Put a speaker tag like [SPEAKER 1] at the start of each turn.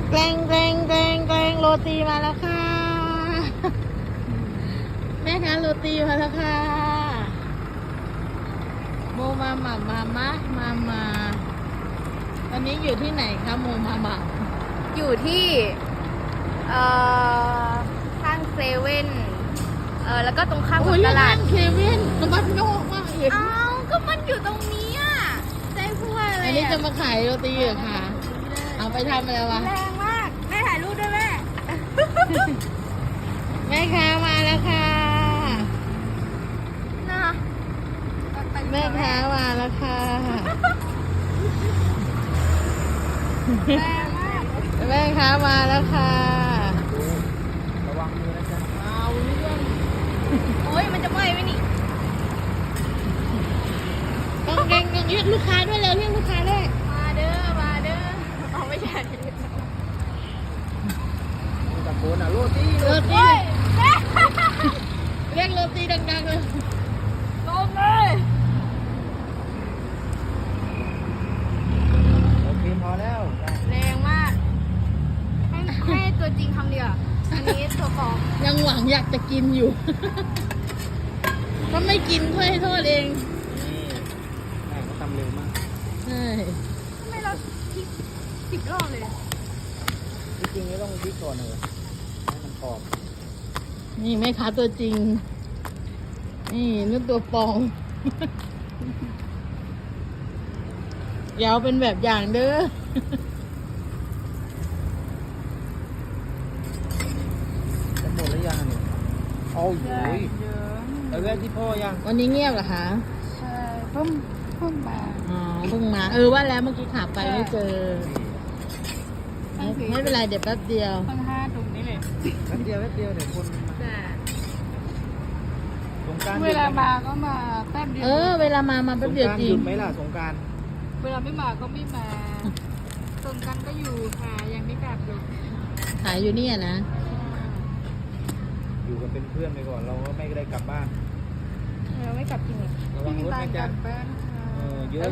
[SPEAKER 1] แกล้งแกล้งแกล้งแกล้งโรตีมาแล้วค่ะ แม่ค้าโรตีมาแล้วค่ะโมมาหม่ำมาตอนนี้อยู่ที่ไหนคะโมมาหม่ำ
[SPEAKER 2] อยู่ที่ข้างเซเว่นแล้วก็ตรงข้ามกับตลาด
[SPEAKER 1] เควินตบัดโยกมากเห็น
[SPEAKER 2] อ้าวก็มันอยู่ตรงนี้อ่ะใจพูดอะไร
[SPEAKER 1] อันนี้จะมาขายโรตีเหรอคะเอาไปทำอะไรวะ
[SPEAKER 2] แรงมากแม่ถ่ายรูปด้วยแม่
[SPEAKER 1] แม่ค้ามาแล้วค่ะ
[SPEAKER 2] น่ะ
[SPEAKER 1] แม่ค้ามาแล้วค่ะ
[SPEAKER 2] แรงมาก
[SPEAKER 1] แม่ค้ามาแล้วค่ะ
[SPEAKER 3] ระวังมือนะจ๊ะ
[SPEAKER 1] เอาเรื่อง
[SPEAKER 2] โอ้ยมันจะไหม้ไหมนี่
[SPEAKER 1] ต้องเก่งเรียกลูกค้าด้วยเร็วเรียกลูกค้าด้วย
[SPEAKER 2] มาเด้อเอาไม่ใช่
[SPEAKER 3] ตะโกนอ่ะโรตี
[SPEAKER 1] โรตี
[SPEAKER 2] โอ้ยแม่
[SPEAKER 1] เรียกโรตีดังๆเลย
[SPEAKER 2] ลงเลย
[SPEAKER 3] โอเคพอแล้ว
[SPEAKER 2] แรงมากให้ตัวจริงทำดีกว่าอันนี้ตัวปลอม
[SPEAKER 1] ยังหวังอยากจะกินอยู่ ถ้าไม่กินค่อยให้โทษเอง
[SPEAKER 3] นี่แม่เขาทำเร็วมาก
[SPEAKER 1] ใช่
[SPEAKER 2] ทำไมเราพลิก10 รอบเลย
[SPEAKER 3] จริงๆไม่ต้องพริกก่อนเลยให้มันกรอบ
[SPEAKER 1] นี่แม่ค้าตัวจริง นี่นู่นตัวปลอม อย่าเอาเป็นแบบอย่างเด้อ
[SPEAKER 3] จะหมดหรือยังเนี่ยเอาอยู่ไปแวะที่พ่อยัง
[SPEAKER 1] วันนี้เงียบเหรอคะ
[SPEAKER 2] ใช่เพิ่มมา
[SPEAKER 1] อ๋อเพิ่งมาว่าแล้วเมื่อกี้ขาไปไม่เจอ ไม่เป็นไรเดี๋ยวแป๊บเดียว
[SPEAKER 2] ข้าง5ตรงนี้เลย
[SPEAKER 3] แป๊บเดียวเดี๋ยวคนมา
[SPEAKER 2] แต่
[SPEAKER 3] สงกราร
[SPEAKER 2] เวลามาก็มาแป๊บเดียว
[SPEAKER 1] เวลามาแป๊บเดียวจริ
[SPEAKER 3] หยุ
[SPEAKER 1] ง
[SPEAKER 3] ดไหมล่ะสงกราร
[SPEAKER 2] เวลาไม่มาก็ไม่มาตรงกันก็อยู่ค่ะยังไม่กลับอยู่
[SPEAKER 1] ขายอยู่เนี่ยนะ
[SPEAKER 3] อยู่กันเป็นเพื่อนไปก่อนเราก็ไม่ได้กลับบ้าน
[SPEAKER 2] เราไม่กลับจริงเหรอ
[SPEAKER 3] ระวังรถนะจ๊ะ
[SPEAKER 2] บ้านค่ะ
[SPEAKER 3] เยอะ